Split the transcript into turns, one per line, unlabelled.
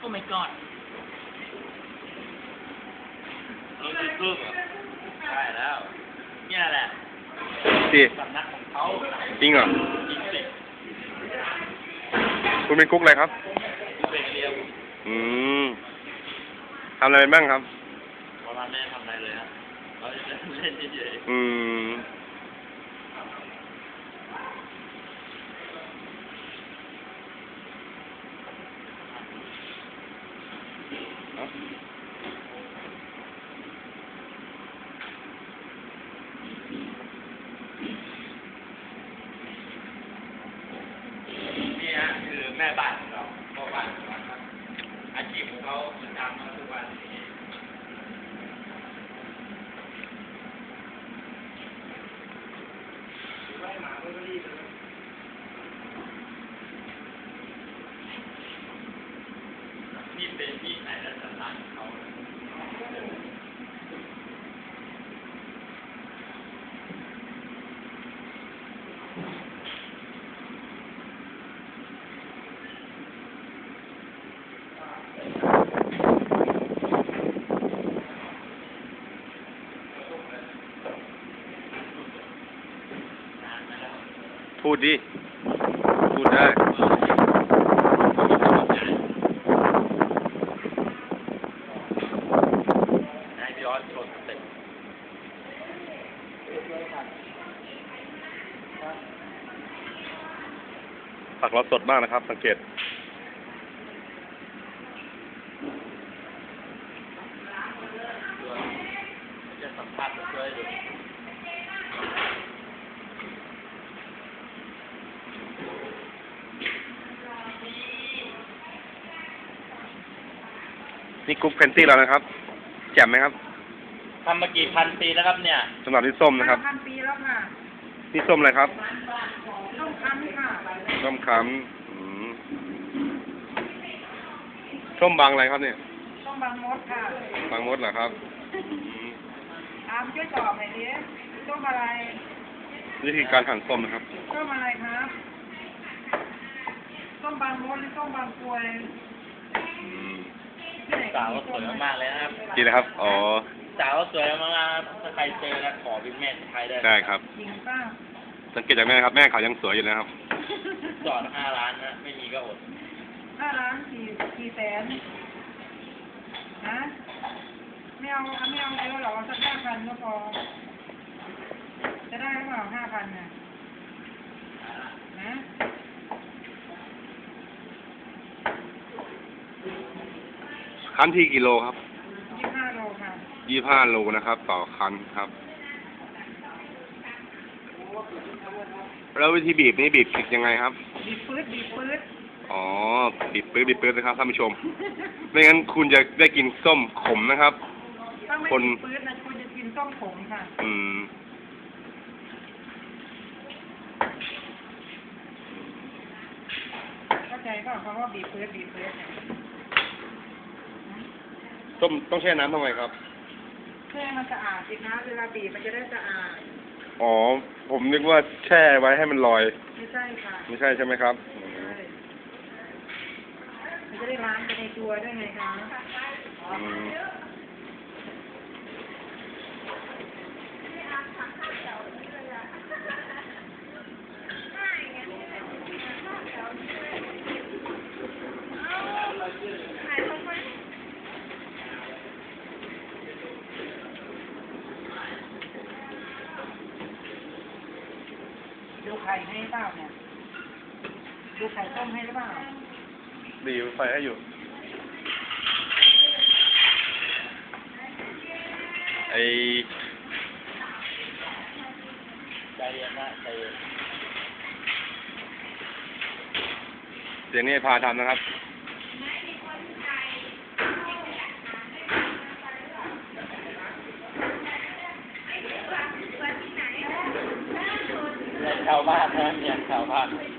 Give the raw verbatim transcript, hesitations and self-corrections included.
my god
เราดูรูปอ่ะได้แล้วเนี่ยแหละ
ดี
สำนักของเขา
จริงเหรอ
จริงสิ
คุณเป็นกุ๊กอะไรครับ
เป็นเรียว
อืมทำอะไรบ้างครับ
วันนั้นไม่ได้ทำอะไรเลยฮะเราจะเล่นเฉย
อืมเอ้า
ๆนี่ฮะคือแม่บ้านของเราพ่อบ้านของเราครับอาชีพของเขาคือทำมาทุกวันนี้นี่เป็นที่ไหนและสถานของเขา
พูดดิ พูดได้
นายพี่ออสโชว์สเต็ป
ผักเราสดมากนะครับ สังเกต
จะสัมภาษณ์ช่วยดู
นี่กุ๊กเพนตี้เรานะครับ แจ่มไหมครับ
ทำมากี่พันปีแล้วครับเนี่ย
สำหรับนี่ส้มนะครับ
ห้าพันปีแล้วค่ะ
นี่ส้มอะไรครับ
ต้มคั้นค่ะ
ส้มขำอืมส้มบางอะไรครับเนี่ย
ต้มบางมดค่ะ
บางมดเหรอครับอืม
อามช่วยตอบหน่อยดิต้มอะไร
วิธีการหั่นส้มนะครับ
ต้มอะไรครับต้มบางมดหรือต้มบางกรวย
อืม
ที่ไหน
สาวก็สวยมากๆเลยนะครับ
ดีนะครับ อ๋อ
สาวก็สวยมากๆครับถ้าใครเจอแล้วขอเป็นแม่ใครได้
ได้ครับ
จริงป้า
สังเกตจากแม่ครับ แม่เขายังสวยอยู่นะครับ
จอดห้าล้านนะไม่มีก็อด
ห้าล้านกี่กี่แสนฮะไม่เอาไม่เอาเยอะหรอกเอาสักห้าพันก็พอจะได้หรือเปล่าห้าพันน่ะนะ
คั้นที่กิโลครับ
ยี่สิบห้าโลค่ะ
ยี่ห้าโลนะครับ ต่อคั้นครับ แล้ววิธีบีบนี่บีบผิดยังไงครับ
บีบปื๊ดบีบปื๊ด
อ๋อ บีบปื้ดบีบปื้ดนะครับท่านผู้ชม ไม่งั้นคุณจะได้กินส้มขมนะครับ
ถ้าไม่
คน
บีบปื๊ดนะคุณจะกินต้มผงค่ะ
อืม
เข้าใจเปล่าคำว่าบีบปื๊ดบีบปื๊ดเนี่ย
ส้มต้องแช่น้ำทำไมครับ
เพื่อให้มันสะอาดสิคะเวลาบีบมันจะได้สะอาด
อ๋อ ผมนึกว่าแช่ไว้ให้มันลอย
ไม่ใช่ค่ะ
ไม่ใช่ใช่ไหมครับ
ใช่มันจะได้ล้างไปในตัวด้วยไงคะ
อืม
ดูไข่ให้เปล่าเนี่ยดูไข่ต้มให้หรือเปล่า
ดีไฟให้อยู่ ไอ
ใจเย็นนะใจเย็น
เสียงนี้พาทำนะครับ
ชาวบ้านนะเนี่ยชาวบ้าน